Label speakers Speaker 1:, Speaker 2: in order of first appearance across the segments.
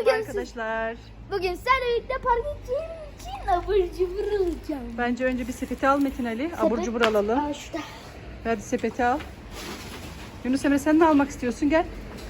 Speaker 1: Merhaba
Speaker 2: Bugün
Speaker 1: arkadaşlar.
Speaker 2: Bugün seninle birlikte parka gideceğim için abur cubur alacağım.
Speaker 1: Bence önce bir sepeti al Metin Ali. Abur
Speaker 2: Sepet.
Speaker 1: cubur alalım.
Speaker 2: Aa, şurada.
Speaker 1: Hadi sepeti al. Yunus Emre sen ne almak istiyorsun? Gel.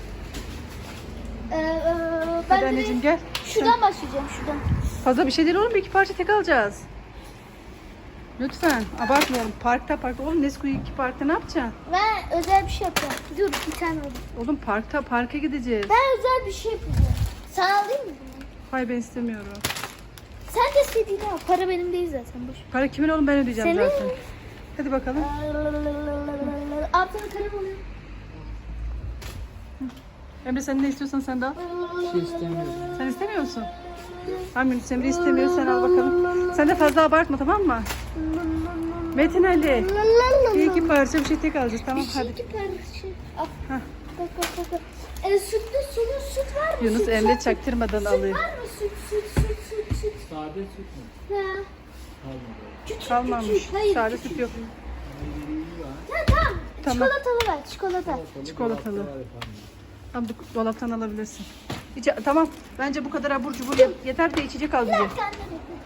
Speaker 2: Ben
Speaker 1: Hadi
Speaker 2: de
Speaker 1: anneciğim gel.
Speaker 2: şuradan başlayacağım şuradan.
Speaker 1: Fazla bir şey değil oğlum. Bir iki parça tek alacağız. Lütfen abartmayalım. Parkta. Oğlum Nesquik parkta ne yapacaksın?
Speaker 2: Ben özel bir şey yapacağım. Dur bir tane alayım.
Speaker 1: Oğlum parka gideceğiz.
Speaker 2: Ben özel bir şey yapacağım. Sana alayım mı bunu?
Speaker 1: Hayır ben istemiyorum.
Speaker 2: Sen de istediğini al. Para benim değil zaten. Boş.
Speaker 1: Para kimin oğlum ben ödeyeceğim
Speaker 2: Senin.
Speaker 1: zaten. Hadi bakalım.
Speaker 2: Altına kalem alayım.
Speaker 1: Emre sen ne istiyorsan sen de al.
Speaker 3: Şey istemiyorum.
Speaker 1: Sen istemiyor musun? Tamam Yunus Emre istemiyor sen al bakalım. Sen de fazla abartma tamam mı? Metin Ali. Bir iki parça bir şey tek alacağız tamam hadi.
Speaker 2: İki parça. Al.
Speaker 1: Hah.
Speaker 2: Bak. Sütlü süt var mı?
Speaker 1: Yunus
Speaker 2: Süt,
Speaker 1: Emre
Speaker 2: süt,
Speaker 1: çaktırmadan
Speaker 2: süt
Speaker 1: alıyor.
Speaker 2: var mı? Süt.
Speaker 3: Sade süt mü?
Speaker 2: Ha.
Speaker 3: Kalmadı.
Speaker 2: Küçük.
Speaker 1: Kalmamış.
Speaker 2: Hayır,
Speaker 1: Sade
Speaker 2: küçük.
Speaker 1: süt yok.
Speaker 2: Tamam.
Speaker 1: Tamam.
Speaker 2: Çikolatalı ver. Çikolata.
Speaker 1: Çikolatalı. Tamam bu dolaptan alabilirsin. Tamam. Bence bu kadar abur cubur yeter de içecek al bize.
Speaker 2: Bir tane de.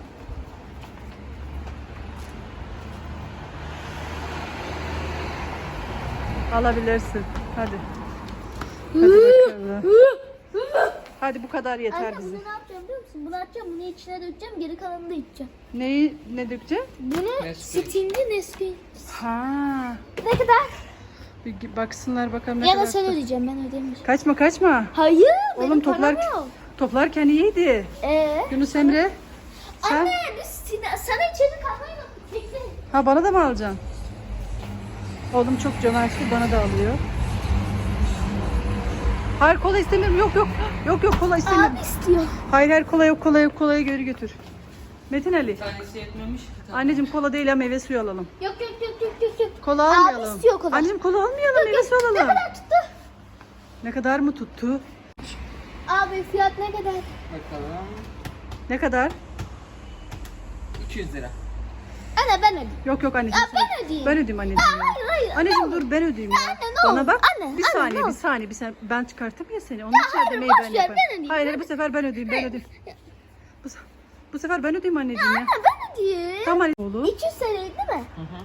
Speaker 1: Alabilirsin. Hadi. Hadi bakalım. Hadi bu kadar yeter
Speaker 2: Anne
Speaker 1: bize.
Speaker 2: bunu ne yapacağım biliyor musun? Bunu atacağım, bunu içine dökeceğim, geri kalanını da içeceğim.
Speaker 1: Ne dökeceksin?
Speaker 2: Bunu
Speaker 3: Nesquik.
Speaker 2: Sting'li Nesquik.
Speaker 1: Ha.
Speaker 2: Ne kadar?
Speaker 1: Bir baksınlar bakalım ne
Speaker 2: Ya
Speaker 1: kadar.
Speaker 2: da sen ödeyeceğim, ben ödemeyeceğim.
Speaker 1: Kaçma.
Speaker 2: Hayır,
Speaker 1: Oğlum
Speaker 2: benim param yok.
Speaker 1: toplarken iyiydi. Yunus Emre. Sen?
Speaker 2: Anne biz sana içeri kalmayı unuttuk. Bekle.
Speaker 1: Ha bana da mı alacaksın? Oğlum çok cömertli bana da alıyor. Hayır kola istemiyorum. Yok kola istemiyorum.
Speaker 2: Abi istiyor.
Speaker 1: Hayır kolayı geri götür. Metin Ali.
Speaker 3: Tanesi yetmemiş ki.
Speaker 1: Anneciğim kola değil ha meyve suyu alalım.
Speaker 2: Yok.
Speaker 1: Kola
Speaker 2: Abi
Speaker 1: almayalım.
Speaker 2: istiyor kola.
Speaker 1: Anneciğim kola almayalım meyve suyu
Speaker 2: Ne
Speaker 1: alalım.
Speaker 2: kadar tuttu?
Speaker 1: Ne kadar mı tuttu?
Speaker 2: Abi fiyat ne kadar?
Speaker 3: Bakalım.
Speaker 1: Ne kadar?
Speaker 3: 200 lira.
Speaker 2: Anne ben ödeyeyim.
Speaker 1: Yok anneciğim.
Speaker 2: Ya ben ödeyeyim.
Speaker 1: Ben ödeyeyim anneciğim. ya.
Speaker 2: Hayır.
Speaker 1: Anneciğim dur ben ödeyeyim ya.
Speaker 2: Anne, ne
Speaker 1: Bana
Speaker 2: olur.
Speaker 1: bak.
Speaker 2: Anne,
Speaker 1: bir
Speaker 2: anne,
Speaker 1: saniye
Speaker 2: ne
Speaker 1: bir saniye. Ben çıkarttım ya seni. Onun için
Speaker 2: hayır,
Speaker 1: ödemeyi
Speaker 2: boş
Speaker 1: ben
Speaker 2: ver,
Speaker 1: yaparım.
Speaker 2: ben ödeyeyim,
Speaker 1: Hayır
Speaker 2: ben
Speaker 1: bu sefer ben ödeyeyim. Bu sefer ben ödeyeyim anneciğim ya.
Speaker 2: Anne ben ödeyeyim.
Speaker 1: Tamam anne. Oğlum.
Speaker 2: 200 TL değil mi?
Speaker 3: Hı hı.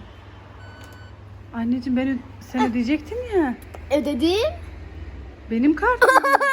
Speaker 1: Anneciğim sen ödeyecektin ya.
Speaker 2: Ödedim.
Speaker 1: Benim kartım.